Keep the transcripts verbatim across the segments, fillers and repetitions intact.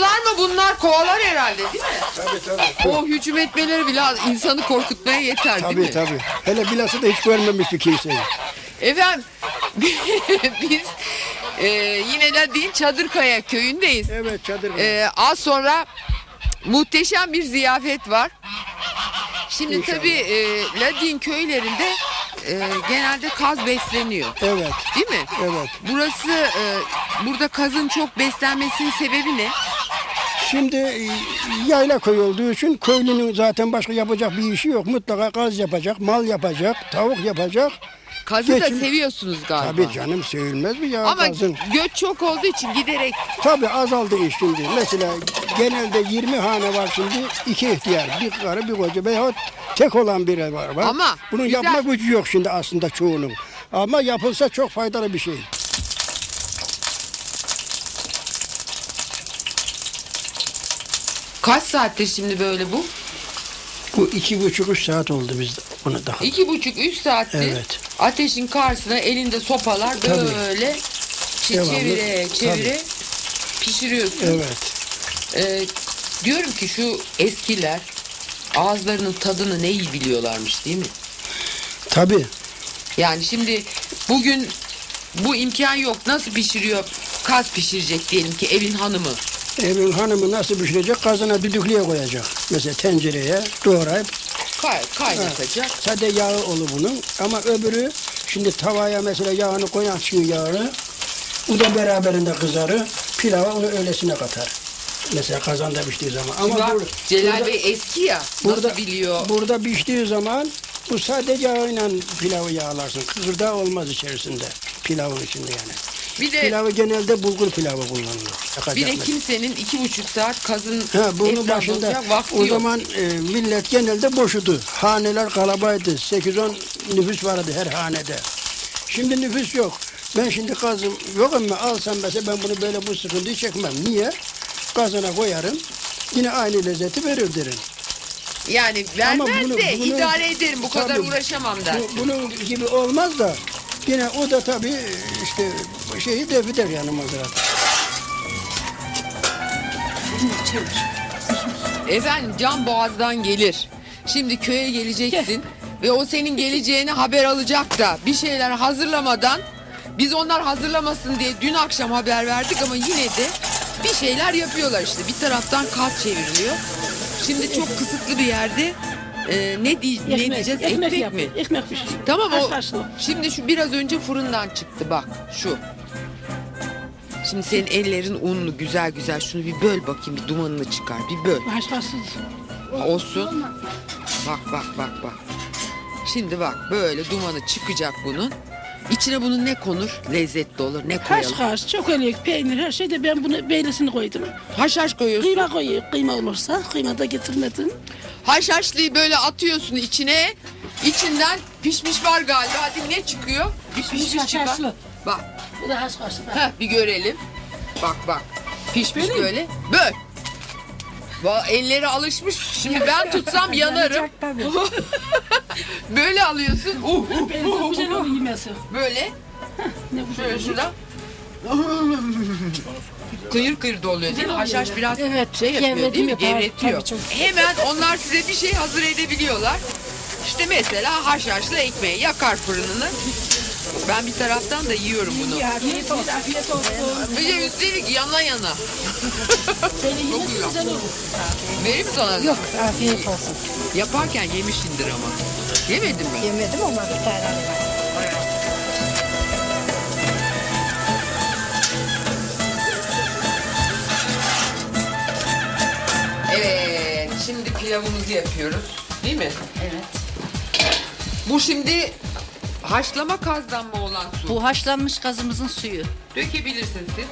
Arılar mı bunlar? Kovalar herhalde değil mi? Tabii tabii. O hücum etmeleri bile insanı korkutmaya yeter değil Tabii mi? tabii. Hele bilhassa da hiç görmemiş bir kimseyi. Efendim biz e, yine de değil Çadırkaya köyündeyiz. Evet çadır. E, az sonra muhteşem bir ziyafet var. Şimdi İnşallah. tabii e, Ladin köylerinde e, genelde kaz besleniyor. Evet. Değil mi? Evet. Burası e, burada kazın çok beslenmesinin sebebi ne? Şimdi e, yayla köy olduğu için köylünün zaten başka yapacak bir işi yok. Mutlaka gaz yapacak, mal yapacak, tavuk yapacak. Kazı Geçim- da seviyorsunuz galiba. Tabii canım sevilmez mi ya Ama gazın? göç çok olduğu için giderek Tabii azaldı iş şimdi. Mesela genelde yirmi hane var şimdi. iki ihtiyar, bir karı, bir koca veyahut tek olan biri var. var. Ama Bunun güzel- yapma gücü yok şimdi aslında çoğunun. Ama yapılsa çok faydalı bir şey. kaç saattir şimdi böyle bu? Bu iki buçuk üç saat oldu bizde bunu daha. İki buçuk üç saattir Evet. ateşin karşısına elinde sopalar Tabii. böyle çe- Devamlı, çevire çevire pişiriyorsun. Evet. Ee, diyorum ki şu eskiler ağızlarının tadını ne iyi biliyorlarmış değil mi? Tabii. Yani şimdi bugün bu imkan yok. Nasıl pişiriyor? Kaz pişirecek diyelim ki evin hanımı. Evin hanımı nasıl pişirecek? Kazana düdüklüye koyacak. Mesela tencereye doğrayıp Kay, kaynatacak. sade yağı olur bunun. Ama öbürü şimdi tavaya mesela yağını koyarsın yağını. O da beraberinde kızarır. Pilava onu öylesine katar. Mesela kazanda piştiği zaman. Ama Ama bak, burada, Celal burada, Bey eski ya. burada, nasıl biliyor? burada piştiği zaman bu sadece yağıyla pilavı yağlarsın. Kıkırdağı olmaz içerisinde. Pilavın içinde yani. Bir de Pilavı genelde bulgur pilavı kullanılır. Yakacak bir de mesela. kimsenin iki buçuk saat kazın Ha, bunun etrafında başında olacak vakti o yok. zaman e, millet genelde boşudu. Haneler kalabaydı. sekiz on nüfus vardı her hanede. Şimdi nüfus yok. Ben şimdi kazım yok ama alsam mesela ben bunu böyle bu sıkıntıyı çekmem. Niye? Kazana koyarım. Yine aynı lezzeti verir derim. Yani Ama vermez bunu- de bunu- idare ederim bu kadar Tabii. uğraşamam der. Bu, bunun gibi olmaz da yine o da tabii işte şeyi def eder yani mazerat. Efendim can boğazdan gelir. Şimdi köye geleceksin ve o senin geleceğini haber alacak da bir şeyler hazırlamadan biz onlar hazırlamasın diye dün akşam haber verdik ama yine de bir şeyler yapıyorlar işte. Bir taraftan kaz çevriliyor. Şimdi çok kısıtlı bir yerde e, ne, diye, ne diyeceğiz? Ekmek, yap, mi? Ekmek pişir. Tamam o. Haşhaşlı. Şimdi şu biraz önce fırından çıktı bak şu. Şimdi senin ellerin unlu güzel güzel şunu bir böl bakayım bir dumanını çıkar bir böl. Haşhaşsız. Olsun. Bak bak bak bak. Şimdi bak böyle dumanı çıkacak bunun. İçine bunun ne konur? Lezzetli olur. Ne koyalım? Haşhaş, çökelek, peynir her şeyde ben bunu beylesini koydum. Haşhaş koyuyorsun. Kıyma koyuyor. Kıyma olursa kıyma da getirmedim. Haşhaşlıyı böyle atıyorsun içine. İçinden pişmiş var galiba. Hadi ne çıkıyor? Bir Pişmiş pişmiş çıkar. haşhaşlı. Bak. Bu da haşhaşlı. Heh, bir görelim. Bak bak. Pişmiş Böyle mi? böyle. Böyle. Va- elleri alışmış. Şimdi ben tutsam yanarım. Tabii. Böyle alıyorsun. Uh, uh, Ben uh, çok güzel uh, uh. oluyor yemesi. Böyle. Ne güzel Şöyle oluyor. şuradan. Kıyır kıyır da oluyor değil mi? Haşhaş biraz Evet, şey yapıyor gevredim değil mi? yapar. Gevretiyor. Tabii, çok. Hemen onlar size bir şey hazır edebiliyorlar. İşte mesela haşhaşlı ekmeği yakar fırınını. Ben bir taraftan da yiyorum bunu. Afiyet olsun. Afiyet olsun. Bir de üstelik yana yana. Seni yemesi güzel. güzel olur. Vereyim mi sana? Yok, afiyet olsun. Yaparken yemişindir ama. Yemedin mi? Yemedim ama bir tane var. Evet, şimdi pilavımızı yapıyoruz. Değil mi? Evet. Bu şimdi haşlama kazdan mı olan su? Bu haşlanmış kazımızın suyu. Dökebilirsin siz.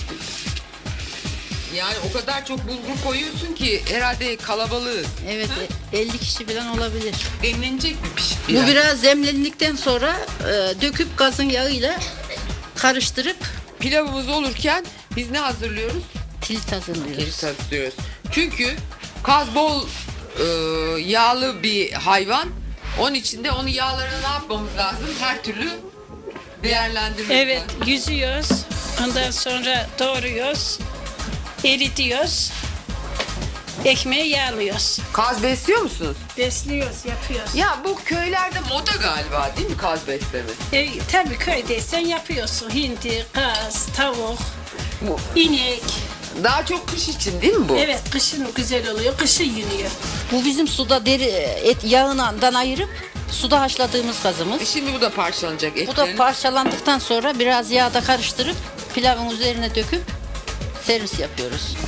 Yani o kadar çok bulgur koyuyorsun ki herhalde kalabalığız. Evet, e, elli kişi falan olabilir. Demlenecek mi pişip Bu biraz? biraz demlendikten sonra e, döküp gazın yağıyla karıştırıp Pilavımız olurken biz ne hazırlıyoruz? tilt hazırlıyoruz. Kilit hazırlıyoruz. Çünkü kaz bol e, yağlı bir hayvan. Onun için de onun yağlarını ne yapmamız lazım? Her türlü değerlendirmemiz Evet, lazım. yüzüyoruz. Ondan sonra doğruyoruz. eritiyoruz. Ekmeği yağlıyoruz. Kaz besliyor musunuz? Besliyoruz, yapıyoruz. Ya bu köylerde moda galiba değil mi kaz besleme? E, tabii köydeysen yapıyorsun. Hindi, kaz, tavuk, Bu inek. daha çok kış için değil mi bu? Evet, kışın güzel oluyor, kışın yeniyor. Bu bizim suda deri et yağından ayırıp suda haşladığımız kazımız. E şimdi bu da parçalanacak etlerin. Bu da parçalandıktan sonra biraz yağda karıştırıp pilavın üzerine döküp servis yapıyoruz.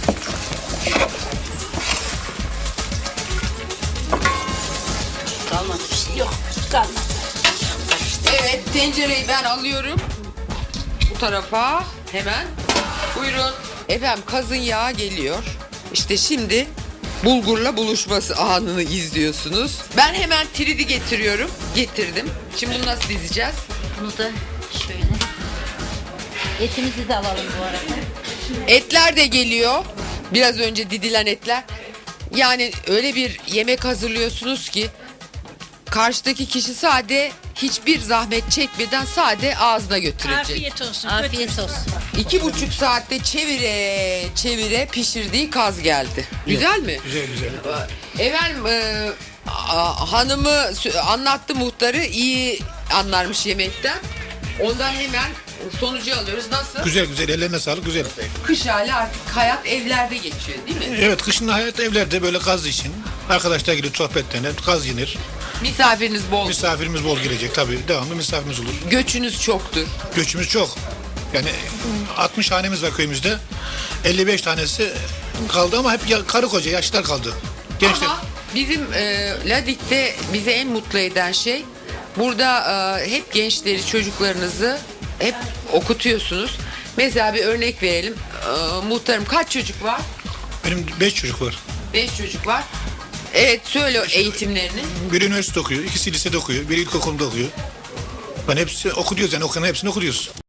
Kalmadı bir şey. Yok, kalmadı. Evet, tencereyi ben alıyorum. Bu tarafa hemen. Buyurun. Efendim kazın yağı geliyor. İşte şimdi bulgurla buluşması anını izliyorsunuz. Ben hemen tridi getiriyorum. Getirdim. Şimdi bunu nasıl dizeceğiz? Bunu da şöyle. Etimizi de alalım bu arada. Etler de geliyor. Biraz önce didilen etler. Yani öyle bir yemek hazırlıyorsunuz ki karşıdaki kişi sade hiçbir zahmet çekmeden sade ağzına götürecek. Afiyet olsun. Afiyet götür. olsun. İki buçuk saatte çevire çevire pişirdiği kaz geldi. Güzel mi? Güzel güzel. Efendim e, a- hanımı sö- anlattı muhtarı iyi anlarmış yemekten. Ondan hemen sonucu alıyoruz. Nasıl? Güzel güzel, ellerine sağlık, güzel. Kış hali artık hayat evlerde geçiyor değil mi? Evet, kışın hayat evlerde böyle kaz için. Arkadaşlar gelip sohbetlenir, kaz yenir. Misafiriniz bol. Misafirimiz bol gelecek tabii, devamlı misafirimiz olur. Göçünüz çoktur. Göçümüz çok. Yani altmış hanemiz var köyümüzde. elli beş tanesi kaldı ama hep ya- karı koca, yaşlılar kaldı. Gençler. Ama bizim e, Ladik'te bizi en mutlu eden şey burada e, hep gençleri, çocuklarınızı hep okutuyorsunuz. Mesela bir örnek verelim. E, muhtarım kaç çocuk var? Benim beş çocuk var. Beş çocuk var. Evet söyle eğitimlerini. Biri üniversite okuyor, ikisi lisede okuyor, biri ilkokulda okuyor. Ben hepsi okuyoruz yani okuyan hepsini okuyoruz.